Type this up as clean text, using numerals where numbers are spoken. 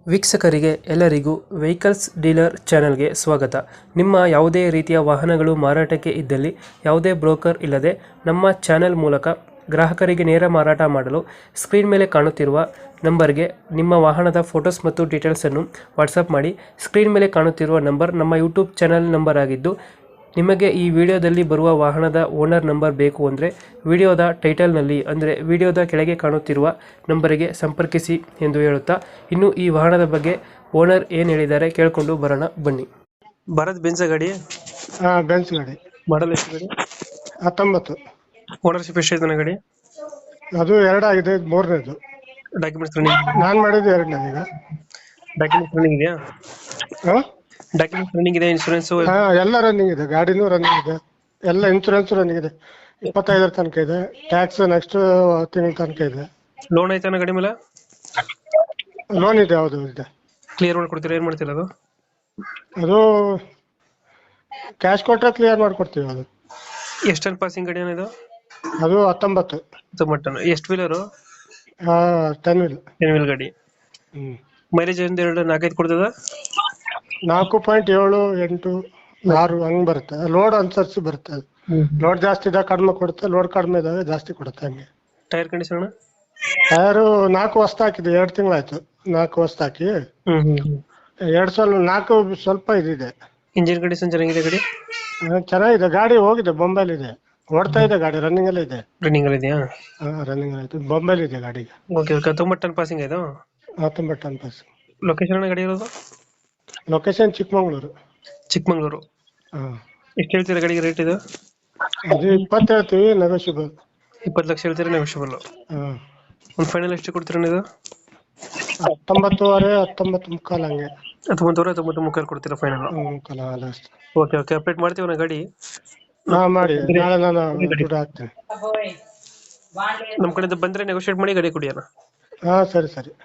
ವೀಕ್ಷಕರಿಗೆ ಎಲ್ಲರಿಗೂ vehicles dealer ಚಾನೆಲ್ಗೆ ಸ್ವಾಗತ. ನಿಮ್ಮ ಯಾವುದೇ ರೀತಿಯ ವಾಹನಗಳು ಮಾರಾಟಕ್ಕೆ ಇದ್ದಲ್ಲಿ ಯಾವುದೇ ಬ್ರೋಕರ್ ಇಲ್ಲದೆ ನಮ್ಮ ಚಾನೆಲ್ ಮೂಲಕ ಗ್ರಾಹಕರಿಗೆ ನೇರ ಮಾರಾಟ ಮಾಡಲು ಸ್ಕ್ರೀನ್ ಮೇಲೆ ಕಾಣುತ್ತಿರುವ ನಂಬರ್ಗೆ ನಿಮ್ಮ ವಾಹನದ ಫೋಟೋಸ್ ಮತ್ತು ಡೀಟೇಲ್ಸನ್ನು ವಾಟ್ಸಪ್ ಮಾಡಿ. ಸ್ಕ್ರೀನ್ ಮೇಲೆ ಕಾಣುತ್ತಿರುವ ನಂಬರ್ ನಮ್ಮ ಯೂಟ್ಯೂಬ್ ಚಾನೆಲ್ ನಂಬರ್ ಆಗಿದ್ದು, ನಿಮಗೆ ಈ ವಿಡಿಯೋದಲ್ಲಿ ಬರುವ ವಾಹನದ ಓನರ್ ನಂಬರ್ ಬೇಕು ಅಂದರೆ ವಿಡಿಯೋದ ಟೈಟಲ್ನಲ್ಲಿ ಅಂದರೆ ವಿಡಿಯೋದ ಕೆಳಗೆ ಕಾಣುತ್ತಿರುವ ನಂಬರಿಗೆ ಸಂಪರ್ಕಿಸಿ ಎಂದು ಹೇಳುತ್ತಾ, ಇನ್ನು ಈ ವಾಹನದ ಬಗ್ಗೆ ಓನರ್ ಏನು ಹೇಳಿದ್ದಾರೆ ಕೇಳಿಕೊಂಡು ಬರೋಣ ಬನ್ನಿ. ಭಾರತ್ ಬೆನ್ಸ್ ಗಾಡಿ ಬೆನ್ಸ್ ಗಾಡಿ ಮಾಡಲ್ ಎಷ್ಟು ಗಾಡಿ? 19. ಓನರ್ಶಿಪ್ ಎಷ್ಟು ಇದೆ ಗಾಡಿ? ಅದು 2 ಆಗಿದೆ, ಇದು 3ನೇದು. Documents running? ನಾನ್ ಮಾಡಿದ್ದು 2ನೇದು. ಈಗ ಡಾಕ್ಯುಮೆಂಟ್ಸ್ ರನ್ನಿಂಗ್ ಇದೆಯಾ? ಹಾ? ಡಾಕ್ಯುಮೆಂಟ್ಸ್ ರನ್ನಿಂಗ್ ಇದೆ, ಇನ್ಶೂರೆನ್ಸ್? ಎಲ್ಲ ರನ್ನಿಂಗ್ ಇದೆ, ಗಾಡಿನೂ ರನ್ನಿಂಗ್ ಇದೆ, ಎಲ್ಲ ಇನ್ಸೂರೆನ್ಸ್ ರನ್ನಿಂಗ್ ಇದೆ. 25 ತನಕ ಇದೆ, ಟ್ಯಾಕ್ಸ್ ನೆಕ್ಸ್ಟ್ ತಿಂಗಳ ತನಕ ಇದೆ. ಲೋನ್ ಐತಾನ ಗಾಡಿ ಮೇಲೆ? ಲೋನ್ ಇದೆ, ಹೌದು ಇದೆ. ಕ್ಲಿಯರ್ ಮಾಡ್ಕೊಡ್ತೀರಾ? ಏನ್ ಮಾಡ್ತೀರಾ ಅದು? ಅದು ಕ್ಯಾಶ್ ಕೊಟ್ಟರೆ ಕ್ಲಿಯರ್ ಮಾಡ್ಕೊಡ್ತೀವಿ. ಅದು ಎಷ್ಟು ಟನ್ ಪಾಸಿಂಗ್ ಗಾಡಿ ಏನಿದು? ಅದು 19. ಮಟನ್ ಎಷ್ಟು ವೀಲರು? 10 ವೀಲ್. 10 ವೀಲ್ ಗಾಡಿ. ಮೈಲೇಜ್ ಒಂದು 4-5 ಕೊಡ್ತದ? 4.7, 8, 6 ಹಂಗ್ ಬರುತ್ತೆ. ಲೋಡ್ ಅನ್ಸರ್ಸಿ ಬರುತ್ತೆ. ಅದು ಲೋಡ್ ಜಾಸ್ತಿ ಇದ್ದಾಗ ಕಡಿಮೆ ಕೊಡುತ್ತೆ, ಲೋಡ್ ಕಡಿಮೆ ಇದ್ದಾಗ ಜಾಸ್ತಿ ಕೊಡುತ್ತೆ. ಹಂಗೆ. Tyre condition? ಟೈರು 4 ಹೊಸ್ತು ಹಾಕಿದೆ, 2 ತಿಂಗಳಾಯ್ತು. 4 ಹೊಸ್ತು ಹಾಕಿ 4 ಸ್ವಲ್ಪ ಇದಿದೆ. ಇಂಜಿನ್ ಕಂಡೀಷನ್ ಚೆನ್ನಾಗಿದೆ ಗಾಡಿ? ಚೆನ್ನಾಗಿದೆ, ಗಾಡಿ ಹೋಗಿದೆ, ಬೊಂಬೈಲಿದೆ, ಓಡ್ತಾ ಇದೆ ಗಾಡಿ, ರನ್ನಿಂಗ್ ಎಲ್ಲ ಇದೆ. ರನ್ನಿಂಗ್ ಅಲ್ಲಿ ಇದೆಯಾ? ರನ್ನಿಂಗ್ ಆಯ್ತು, ಬೊಂಬೈಲಿ ಇದೆ ಗಾಡಿಗೆ. Okay okay. 19 ಟನ್ ಪಾಸಿಂಗ್ ಇದು? 19 ಟನ್ ಪಾಸ್. ಲೊಕೇಶನ್ ಗಾಡಿ ಇರೋದು? ಲೊಕೇಶನ್ ಚಿಕ್ಕಮಂಗ್ಳೂರು. ಚಿಕ್ಕಮಂಗ್ಳೂರು. ಎಷ್ಟು ಹೇಳ್ತೀರಾ ಗಾಡಿಗೆ ರೇಟ್ ಇದು? ಅದು 20 ಹೇಳ್ತೀವಿ, ನೆಗೋಷಿಯಬಲ್. 20 ಲಕ್ಷ ಹೇಳ್ತೀರಾ, ನೆಗೋಷಿಯಬಲ್. ಹಾಂ. ಒಂದು ಫೈನಲ್ ಎಷ್ಟು ಕೊಡ್ತೀರಾ ಇದು? 19.5, 19.75 ಹಂಗೆ. 19.93 ಕೊಡ್ತೀರಾ ಫೈನಲ್? ಮುಕ್ಕಾಲು ಲಾಸ್ಟ್. Okay okay. ಅಪ್ಡೇಟ್ ಮಾಡ್ತೀವಿ ನಾ ಗಾಡಿ. ಮಾಡಿ, ನಾಳೆ ನಾನು ದುಡ್ಡು ಹಾಕ್ತೇನೆ. ನಮ್ಮ ಕಡೆಯಿಂದ ಬಂದ್ರೆ ನೆಗೋಷಿಯೇಟ್ ಮಾಡಿ ಗಾಡಿ ಕೊಡಿ ಅಣ್ಣ. ಹಾಂ, ಸರಿ ಸರಿ.